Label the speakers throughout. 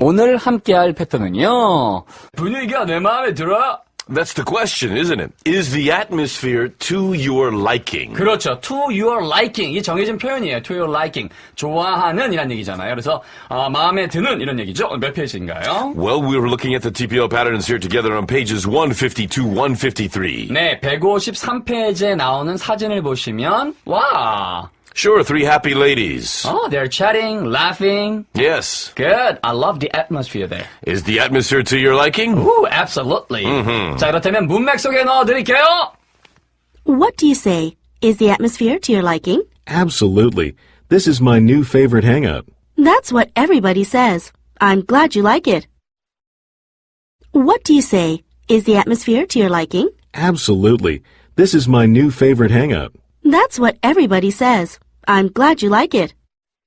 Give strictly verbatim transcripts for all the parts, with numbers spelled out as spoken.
Speaker 1: 오늘 함께할 패턴은요. 분위기가 내 마음에 들어?
Speaker 2: That's the question, isn't it? Is the atmosphere to your liking?
Speaker 1: 그렇죠. To your liking. 이 정해진 표현이에요. To your liking. 좋아하는 이란 얘기잖아요. 그래서 어, 마음에 드는 이런 얘기죠. 몇 페이지인가요?
Speaker 2: Well, we were looking at the T P O patterns here together on pages one fifty-two, one fifty-three.
Speaker 1: 네, 백오십삼 페이지에 나오는 사진을 보시면 와.
Speaker 2: Sure, three happy ladies.
Speaker 1: Oh, they're chatting, laughing.
Speaker 2: Yes.
Speaker 1: Good. I love the atmosphere there.
Speaker 2: Is the atmosphere to your liking?
Speaker 1: Ooh, absolutely.
Speaker 2: Mm-hmm.
Speaker 1: 자, 그렇다면 문맥 속에 넣어드릴게요.
Speaker 3: What do you say? Is the atmosphere to your liking?
Speaker 4: Absolutely. This is my new favorite hangout.
Speaker 3: That's what everybody says. I'm glad you like it. What do you say? Is the atmosphere to your liking?
Speaker 4: Absolutely. This is my new favorite hangout.
Speaker 3: That's what everybody says. I'm glad you like it.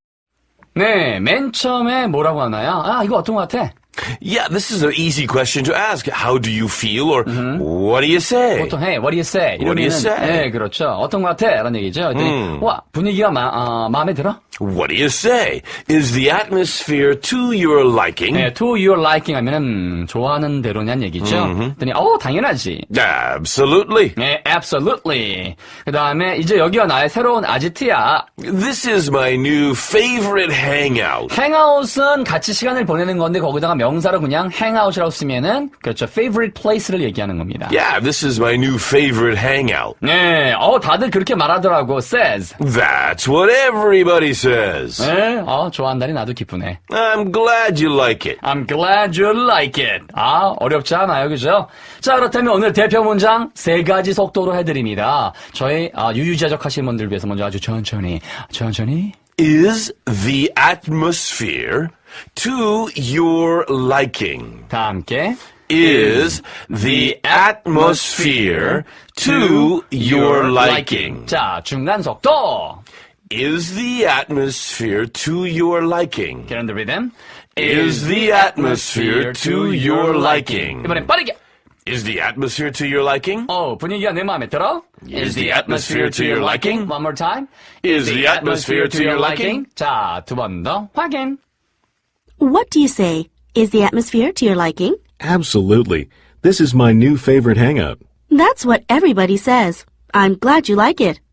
Speaker 1: 네, 맨 처음에 뭐라고 하나요? 아, 이거 어떤 것 같아?
Speaker 2: Yeah, this is an easy question to ask. How do you feel? Or what do you say?
Speaker 1: 보통, hey, what do you say?
Speaker 2: What do you
Speaker 1: 이러면은,
Speaker 2: say?
Speaker 1: 네, 그렇죠. 어떤 것 같아? 라는 얘기죠. 그랬더니,
Speaker 2: 음.
Speaker 1: 와, 분위기가 마, 어, 마음에 들어?
Speaker 2: What do you say? Is the atmosphere to your liking?
Speaker 1: 네, to your liking 하면은, 음, 좋아하는 대로냐는 얘기죠. 그랬더니, 어, 당연하지.
Speaker 2: Absolutely.
Speaker 1: 네, absolutely. 그 다음에, 이제 여기가 나의 새로운 아지트야.
Speaker 2: This is my new favorite hangout.
Speaker 1: 행아웃은 같이 시간을 보내는 건데, 거기다가 명사로 그냥 행아웃이라고 쓰면은, 그렇죠. favorite place를 얘기하는 겁니다.
Speaker 2: Yeah, this is my new favorite hangout.
Speaker 1: 네, 어, 다들 그렇게 말하더라고. says.
Speaker 2: That's what everybody says.
Speaker 1: 네, 어, 좋아한다니 나도 기쁘네.
Speaker 2: I'm glad you like it.
Speaker 1: I'm glad you like it. 아, 어렵지 않아요, 그죠? 자, 그렇다면 오늘 대표 문장 세 가지 속도로 해드립니다. 저희 아, 유유자적 하시는 분들 위해서 먼저 아주 천천히, 천천히.
Speaker 2: Is the atmosphere to your liking?
Speaker 1: 다 함께.
Speaker 2: Is the atmosphere to your liking?
Speaker 1: 자, 중간 속도.
Speaker 2: Is the atmosphere to your liking?
Speaker 1: Get on the rhythm.
Speaker 2: Is the atmosphere to your liking?
Speaker 1: 이번엔 빠르게.
Speaker 2: Is the atmosphere to your liking?
Speaker 1: 어, 분위기가 내 마음에 들어?
Speaker 2: Is the atmosphere to your liking?
Speaker 1: One more time.
Speaker 2: Is the atmosphere to your liking?
Speaker 1: 자, 두 번 더 확인.
Speaker 3: What do you say? Is the atmosphere to your liking?
Speaker 4: Absolutely. This is my new favorite hangout.
Speaker 3: That's what everybody says. I'm glad you like it.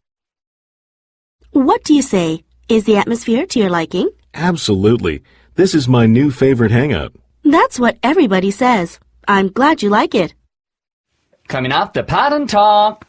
Speaker 3: What do you say? Is the atmosphere to your liking?
Speaker 4: Absolutely. This is my new favorite hangout.
Speaker 3: That's what everybody says. I'm glad you like it.
Speaker 1: Coming up, the pattern talk.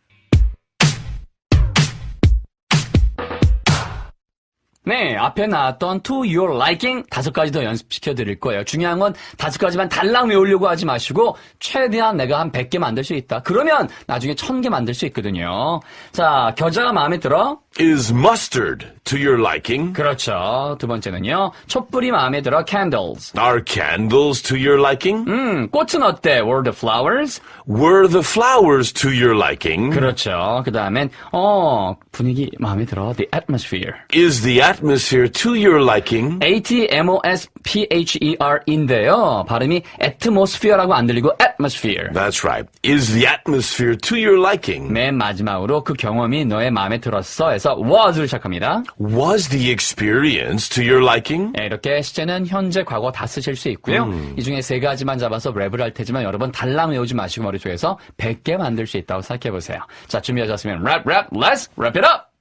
Speaker 1: 네, 앞에 나왔던 to your liking 다섯 가지 더 연습시켜 드릴 거예요. 중요한 건 다섯 가지만 달랑 외우려고 하지 마시고 최대한 내가 한 백 개 만들 수 있다. 그러면 나중에 천 개 만들 수 있거든요. 자, 겨자가 마음에 들어?
Speaker 2: Is mustard to your liking?
Speaker 1: 그렇죠. 두 번째는요. 촛불이 마음에 들어? Candles.
Speaker 2: Are candles to your liking?
Speaker 1: 음, 꽃은 어때? Were the flowers?
Speaker 2: Were the flowers to your liking?
Speaker 1: 그렇죠. 그 다음엔 어, 분위기 마음에 들어? The atmosphere.
Speaker 2: Is the atmosphere to your liking?
Speaker 1: A T M O S P H E R인데요. 발음이 atmosphere라고 안 들리고 atmosphere.
Speaker 2: That's right. Is the atmosphere to your liking?
Speaker 1: 맨 마지막으로 그 경험이 너의 마음에 들었어 해서 was를 시작합니다.
Speaker 2: Was the experience to your liking?
Speaker 1: 네, 이렇게 시제는 현재, 과거 다 쓰실 수 있고요. 음. 이 중에 세 가지만 잡아서 랩을 할 테지만 여러분 달랑 외우지 마시고 머릿속에서 백 개 만들 수 있다고 생각해보세요. 자, 준비하셨으면 랩, 랩, let's wrap it up!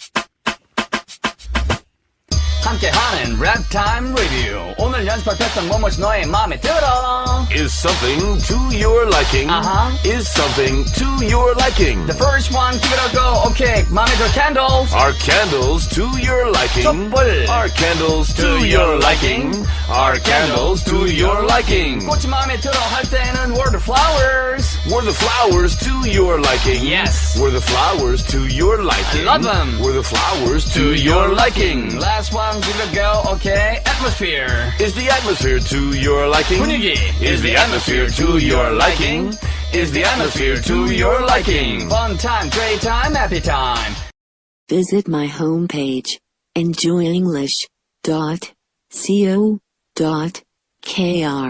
Speaker 1: 함께하는 랩 타임 리뷰. 오늘 연습할 패턴 뭐뭐지 너의 마음에 들어.
Speaker 2: Is something to your liking?
Speaker 1: Uh-huh.
Speaker 2: Is something to your liking?
Speaker 1: The first one, give it a go. Okay, 마음에 들어 candles.
Speaker 2: Are candles to your liking?
Speaker 1: 촛불.
Speaker 2: Are candles to your liking? Are candles to your liking?
Speaker 1: 꽃이 마음에 들어 할 때는 were the flowers.
Speaker 2: Were the flowers to your liking?
Speaker 1: Yes.
Speaker 2: Were the flowers to your liking?
Speaker 1: I love them.
Speaker 2: Were the flowers to your liking?
Speaker 1: Last one, give it a go. Okay, atmosphere.
Speaker 2: Is the atmosphere to your liking?
Speaker 1: 분위기.
Speaker 2: Is the atmosphere to your liking? Is the atmosphere to your liking?
Speaker 1: Fun time, great time, happy time.
Speaker 5: Visit my homepage, enjoy english dot co dot k r.